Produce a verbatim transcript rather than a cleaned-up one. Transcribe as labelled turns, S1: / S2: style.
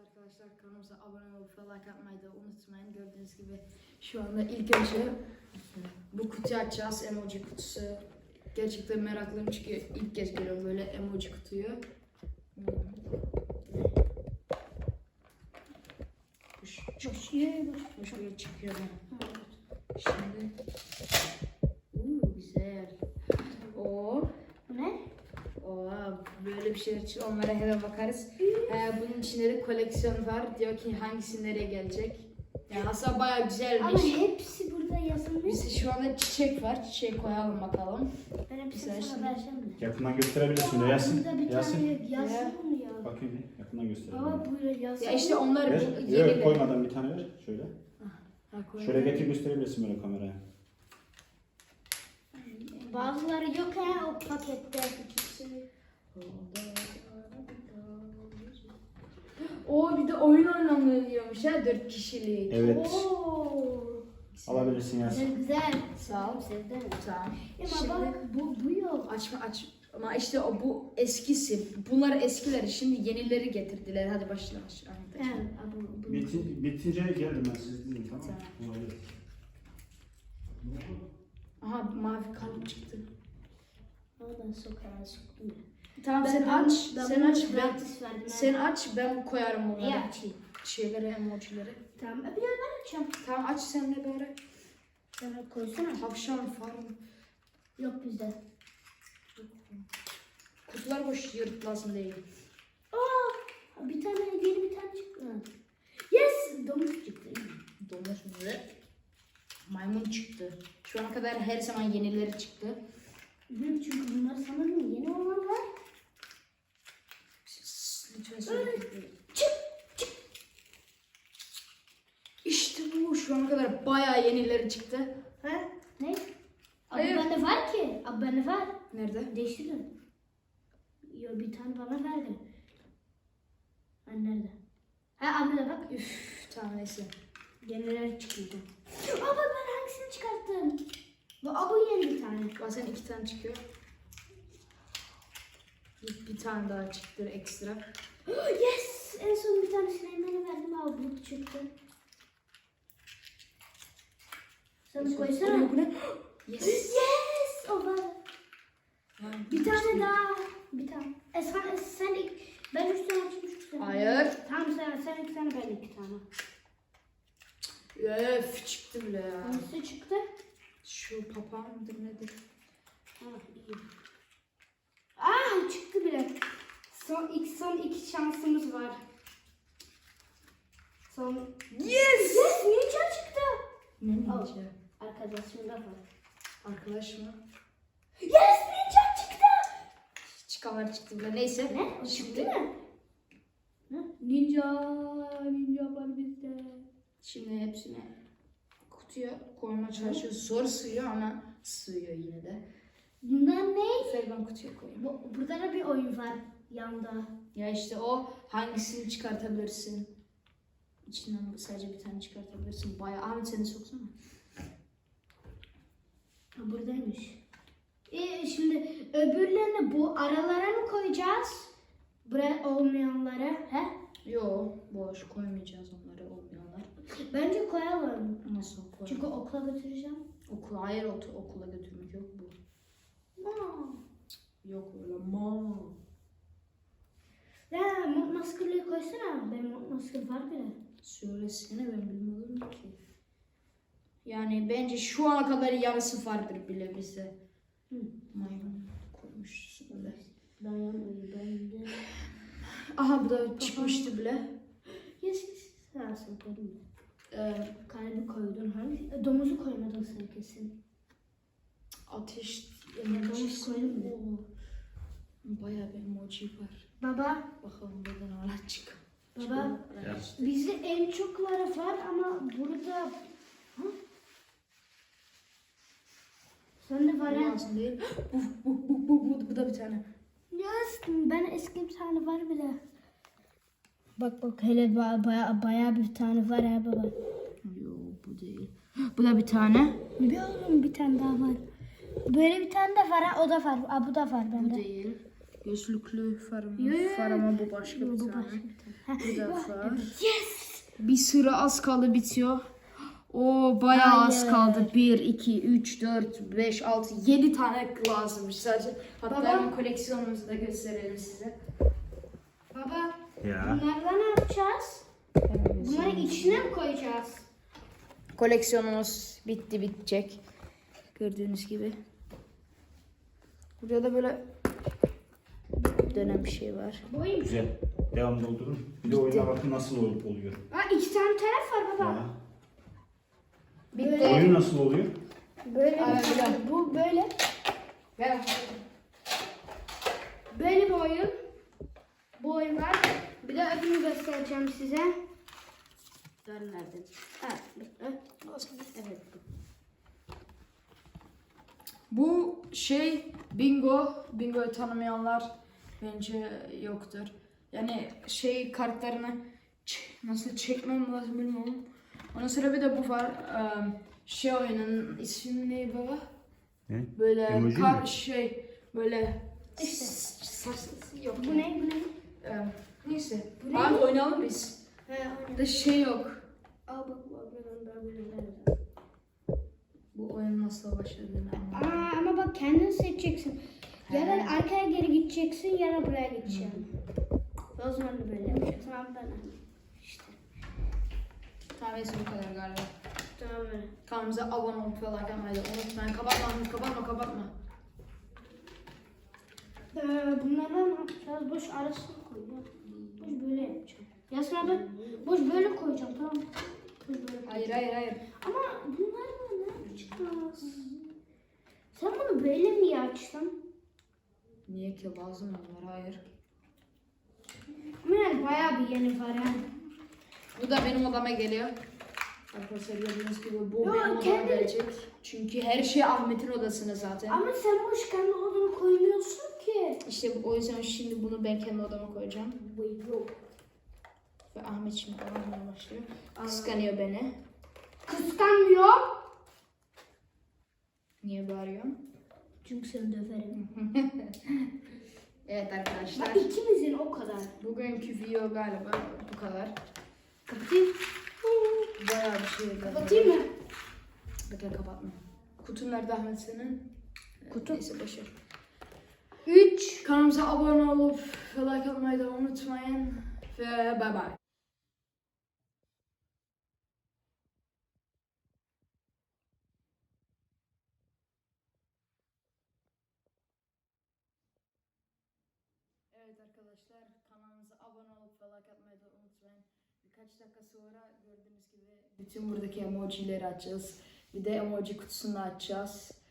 S1: arkadaşlar, kanalımıza abone olup like atmayı da unutmayın. Gördüğünüz gibi şu anda ilk önce bu kutuyu açacağız, emoji kutusu. Gerçekten meraklıyım çünkü ilk kez görüyorum böyle emoji kutuyu. Çok iyi, şöyle çıkıyor. Şimdi, uuu güzel. O
S2: ne?
S1: Oo, böyle bir şeyler için onlara hemen bakarız. Ee, bunun içinde de koleksiyon var. Diyor ki hangisi nereye gelecek. Yani aslında bayağı güzelmiş.
S2: Ama hepsi burada yazılmış.
S1: Bizde şu anda çiçek var. Çiçeği koyalım bakalım.
S2: Ben hepsini
S1: Güzel
S2: sana
S1: şimdi.
S2: vereceğim mi?
S3: Yakından gösterebilirsin de Yasin.
S2: Burada bir
S3: Yasin.
S2: tane yazsın mı ya?
S3: Bakayım bir yakından gösterelim.
S2: Aa böyle yazsın.
S1: Ya işte onlar
S3: Ver.
S1: bu yeni
S3: Yok
S1: de.
S3: koymadan bir tane ver. Şöyle.
S1: Ha, koyalım.
S3: Şöyle getir gösterebilirsin böyle kameraya.
S2: Bazıları yok ha o pakette.
S1: O bir de oyun oynanıyormuş ha, dört kişilik.
S3: Evet.
S2: Oo.
S3: Alabilirsin Yasin.
S2: Güzel güzel.
S1: Sağ ol.
S2: Sevdim.
S1: Tamam.
S2: Ama
S1: Şimdi
S2: bak bu bu yok.
S1: açma aç. Ama işte o bu eskisi. Bunlar eskileri. Şimdi yenileri getirdiler. Hadi başla. başla. Aynen,
S2: Evet, bu, bu.
S3: Bitin, bitince gelirim ben siz dinleyin tamam mı?
S1: Tamam.
S3: Olabilir.
S1: Aha mavi kalp çıktı.
S2: Oradan sokağa soktum.
S1: Tamam
S2: Ben-
S1: sen
S2: ben-
S1: aç.
S2: ben
S1: sen
S2: bunu
S1: aç. Ben,
S2: gratis verdim.
S1: sen aç. Ben koyarım bunları.
S2: Neyi açayım?
S1: Şeyleri, emojileri.
S2: Tamam. Bir de ben açacağım.
S1: Tamam aç sen de bari.
S2: Sen koysana.
S1: Tavşan farm.
S2: Yok bizde.
S1: Kutular boş yırtlasın değil.
S2: Aa, bir tane yeni bir tane çıktı. Yes, domuz çıktı.
S1: Domuz mu? Maymun çıktı. Şu ana kadar her zaman yenileri çıktı.
S2: Hı, çünkü bunlar sanırım yeni olanlar.
S1: Lütfen söyle.
S2: Çık, çık.
S1: İşte bu. Şu ana kadar bayağı yenileri çıktı.
S2: Ha? Ne? Abi
S1: Hayır.
S2: bende var ki. Abi bende var.
S1: Nerede?
S2: Değiştirin. Yo bir tane bana verdi. Hani nerede? Ha abi de bak.
S1: Üf, tamam neyse.
S2: Yeniler çıkıyordu. Abi ben hangisini çıkarttım? Bu abi yeni bir tane.
S1: Bazen iki tane çıkıyor. Bir, bir tane daha çıktı ekstra.
S2: Yes! En son bir tane Süleyman'a verdim abi bu çıktı. Sen de koysana.
S1: Bu ne? Yes.
S2: Yes! O var.
S1: Ha,
S2: Bir tane daha. Bir tane. E sen, sen ilk, ben üç tane açmışım.
S1: Hayır.
S2: Tamam sen, sen iki tane ben iki tane.
S1: Öf çıktı bile ya.
S2: Hangisi çıktı?
S1: Şu papağan mıdır nedir?
S2: Ha iyi. Ah çıktı bile. Son ilk son iki şansımız var. Son.
S1: Yes!
S2: Yes! Ninja çıktı.
S1: Ne
S2: Al.
S1: ninja?
S2: Arkadaşım da var.
S1: Arkadaş mı?
S2: Yes! Ninja çıktı.
S1: Çıkanlar çıktı bile. Neyse.
S2: Ne? O
S1: Şimdi
S2: çıktı mı? Ne? Ninja. Ninja var bizde.
S1: Şimdi hepsini kutuya koymaya çalışıyoruz. Zor sığıyor ama sığıyor yine de.
S2: Bundan ne?
S1: Ver ben kutuya koyayım.
S2: Bu, burada da bir oyun var yanda.
S1: Ya işte o hangisini çıkartabilirsin? İçinden sadece bir tane çıkartabilirsin. Bayağı. Ahmet seni soksana.
S2: Ha, buradaymış. Ee, şimdi öbürlerini bu aralara mı koyacağız? Buraya olmayanlara. He?
S1: Yo boş koymayacağız onları olmayanlar.
S2: Bence koyalım.
S1: Nasıl koyalım?
S2: Çünkü okula götüreceğim.
S1: Okula, hayır otu, okula götürmek yok bu.
S2: No.
S1: Yok öyle ma.
S2: Ya mont maskırlığı koysana. Benim mont maskır var bile.
S1: Söylesene ben bilmiyorum ki. Yani bence şu ana kadar yarısı vardır bile bize.
S2: Hı.
S1: Maymun koymuş öyle.
S2: Dayanmıyor bende.
S1: Aha bu da çıkmıştı bile.
S2: Yes yes. Sağ olsun koydum.
S1: Ee,
S2: Kalbi koydun hangi? E, domuzu koymadın sen kesin.
S1: ateş
S2: Domuz
S1: emojisi.
S2: koydun mu?
S1: Oo. Bayağı bir emoji var.
S2: Baba.
S1: Bakalım buradan hala çık.
S2: Baba.
S3: Ya.
S2: Bizde en çokları var ama burada... Ha? Sen de var
S1: Bu
S2: ha?
S1: lazım değil. bu, bu, bu, bu, bu, bu da bir tane.
S2: Yes, ben eski bir tane var bile. Bak bak hele baya baya, baya bir tane var ha baba.
S1: Yo bu değil. Bu da bir tane.
S2: Bir oğlum bir tane daha var. Böyle bir tane de var ha o da var. Aa, bu da var
S1: Bu
S2: bende.
S1: değil. Gözlüklü farım,
S2: Yo, yo,
S1: far ama bu başka bir
S2: Bu
S1: tane.
S2: başka bir tane.
S1: Bu da far.
S2: Yes.
S1: Bir sıra az kaldı bitiyor. O bayağı az
S2: Hayır.
S1: kaldı. bir, iki, üç, dört, beş, altı, yedi tane lazımmış sadece. Hatta
S2: Baba.
S1: hemen koleksiyonumuzu da gösterelim size.
S2: Baba
S3: Ya.
S2: bunlarla ne yapacağız? Bunları içine mi koyacağız?
S1: Koleksiyonumuz bitti bitecek. Gördüğünüz gibi. Burada da böyle dönen bir şey var.
S2: Boyun.
S3: Güzel. Devam doldurun. Bir de oyuna bakın nasıl ol- oluyor.
S2: Aa, iki tane taraf var baba.
S3: Ya.
S1: Bitti.
S3: Oyun nasıl oluyor?
S2: Böyle
S1: Ay,
S2: bir
S1: güzel.
S2: Bu böyle.
S1: Ver.
S2: Böyle bir oyun. Bu oyun var. Bir de öbürünü göstereceğim size. Nereden? Evet. Evet.
S1: Bu şey bingo. Bingo'yu tanımayanlar bence yoktur. Yani şey kartlarını ç- nasıl çekmem lazım bilmiyorum. Onun sonra bir de bu var. Eee, Şey oyunun ismi ne baba?
S3: Ne?
S1: Böyle
S3: Emoji
S1: kar
S3: mi?
S1: şey böyle
S2: İşte.
S1: saç- yok.
S2: Bu ne? Bu ne?
S1: Eee, neyse.
S2: Bu ne?
S1: Abi oynayalım biz.
S2: He, oyun.
S1: Da şey yok.
S2: Al bak bu oyunu ben bunu
S1: Bu oyun nasıl başladığını anlamadım.
S2: Aa, ama bak kendin seçeceksin. Ya da
S1: He.
S2: arkaya geri gideceksin ya da buraya gideceksin. O zaman da böyle yapacaksın. Tamam ben. İşte.
S1: Tamam neyse bu kadar galiba.
S2: Tamam öyle.
S1: Kanalımıza abone olup ve like atmayı da unutmayın. Kapatma, kapatma, kapatma.
S2: Ee, bunlarla ne yapacağız? Boş arasını koy. ya. Boş böyle yapacağım. Yasına ben boş böyle koyacağım tamam mı? Boş böyle.
S1: Hayır, hayır, hayır.
S2: Ama bunlarla ne yapacağız? Sen bunu böyle mi açtın?
S1: Niye ki lazım onlar? Hayır.
S2: Ama yani bayağı bir yeni var yani.
S1: Bu da benim odama geliyor. Arkadaşlar gördüğünüz gibi bu
S2: Yo,
S1: benim odama
S2: kendi-
S1: gelecek. Çünkü her şey Ahmet'in odasında zaten.
S2: Ama sen boş kendi odunu koymuyorsun ki.
S1: İşte o yüzden şimdi bunu ben kendi odama koyacağım.
S2: Yok.
S1: Ve Ahmet şimdi aramaya başlıyor. Kıskanıyor beni.
S2: Kıskanmıyor.
S1: Niye bağırıyorsun?
S2: Çünkü seni döverim.
S1: Evet arkadaşlar.
S2: Bak ikimizin o kadar.
S1: Bugünkü video galiba bu kadar.
S2: Kapatayım.
S1: Bayağı bir şey.
S2: Kapatayım mı?
S1: Bekle kapatma. Kutun nerede Ahmet senin?
S2: Kutu.
S1: Neyse boşver. üç. Kanalımıza abone olup ve like atmayı da unutmayın. Ve bay bay. Evet arkadaşlar kanalımıza abone olup ve like atmayı da unutmayın. Birkaç dakika sonra gördüğünüz gibi bütün buradaki emojileri açacağız. Bir de emoji kutusunu açacağız.